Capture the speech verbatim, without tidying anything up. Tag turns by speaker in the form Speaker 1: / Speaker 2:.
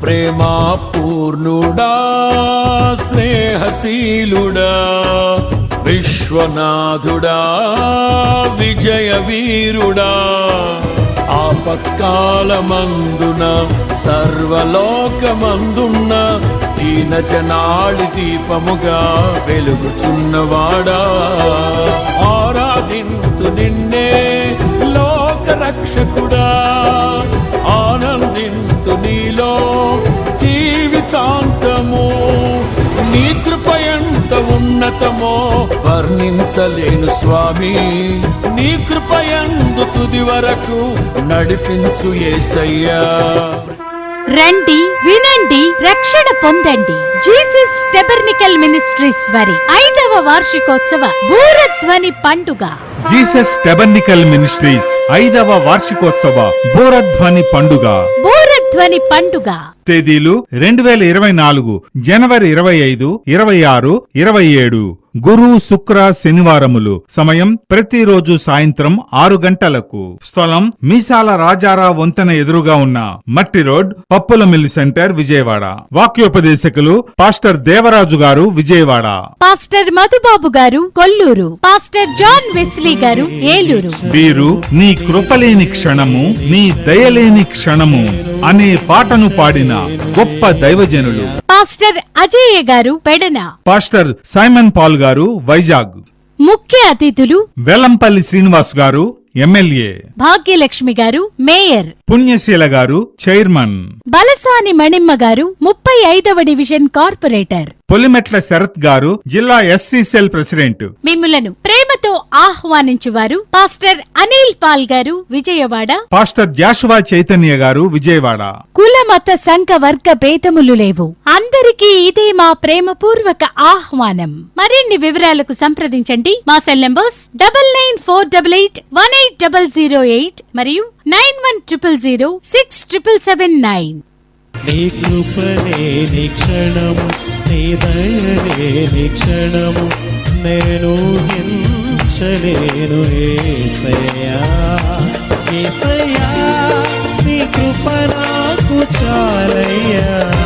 Speaker 1: ప్రేమా పూర్ణుడా స్నేహశీలుడా విశ్వనాథుడా విజయ వీరుడా ఆపత్కాలమందున సర్వలోకమందున్న దీన జనాళి దీపముగా వెలుగుచున్నవాడా ఆరాధింతు నిన్నే లోక రక్షకుడా ఆనందింతు నీలో జీవితాంతము నీ కృప ఎంత ఉన్నతమో వర్ణించలేను స్వామి నీ కృప యందు తుది వరకు నడిపించు యేసయ్యా.
Speaker 2: రండి, వినండి, రక్షణ పొందండి. జీసస్ టెబర్నికల్ మినిస్ట్రీస్ వారి ఐదవ వార్షికోత్సవ బూరధ్వని పండుగ.
Speaker 3: జీసస్ టెబర్నికల్ మినిస్ట్రీస్ ఐదవ వార్షికోత్సవ బూరధ్వని పండుగ.
Speaker 2: బూరధ్వని పండుగ
Speaker 3: తేదీలు రెండు వేల ఇరవై నాలుగు జనవరి ఇరవై ఐదు, ఇరవై ఆరు, ఇరవై ఏడు గురు, శుక్ర, శనివారములు. సమయం ప్రతిరోజు సాయంత్రం ఆరు గంటలకు. స్థలం మీసాల రాజారా వంతెన ఎదురుగా ఉన్న మట్టి రోడ్, పప్పుల మిల్ సెంటర్, విజయవాడ. వాక్యోపదేశకులు పాస్టర్ దేవరాజు గారు, విజయవాడ.
Speaker 2: పాస్టర్ మధుబాబు గారు, కొల్లూరు. పాస్టర్ జాన్ వెస్లీ గారు, ఏలూరు.
Speaker 3: వీరు నీ కృపలేని క్షణము, నీ దయలేని క్షణము అనే పాటను పాడిన గొప్ప దైవజనులు.
Speaker 2: పాస్టర్ అజయ్య గారు, పెడన.
Speaker 3: పాస్టర్ సైమన్ పాల్ గారు, వైజాగ్.
Speaker 2: ముఖ్య అతిథులు
Speaker 3: వెల్లంపల్లి శ్రీనివాస్ గారు, ఎమ్మెల్యే.
Speaker 2: భాగ్యలక్ష్మి గారు, మేయర్.
Speaker 3: పుణ్యశీల గారు, చైర్మన్.
Speaker 2: బలసాని మణిమ్మ గారు, ముప్పై ఐదవ డివిజన్ కార్పొరేటర్.
Speaker 3: పొలిమెట్ల శరత్ గారు, జిల్లా ఎస్సీ సెల్ ప్రెసిడెంట్.
Speaker 2: మిమ్ములను ప్రేమతో ఆహ్వానించువారు పాస్టర్ అనిల్ పాల్ గారు, విజయవాడ.
Speaker 3: పాస్టర్ జాషువా చైతన్య గారు, విజయవాడ.
Speaker 2: కుల మత సంఘ వర్గ భేదములు లేవు, అందరికీ ఇదే మా ప్రేమపూర్వక ఆహ్వానం. మరిన్ని వివరాలకు సంప్రదించండి మా cell numbers double nine four double eight one eight double zero eight మరియు nine one triple zero six triple seven nine.
Speaker 4: నీ కృపలేని క్షణము, నీ దయలేని క్షణము నేను హించలేను యేసయ్యా. యేసయ్యా నీ కృప నాకు చాలయ్యా.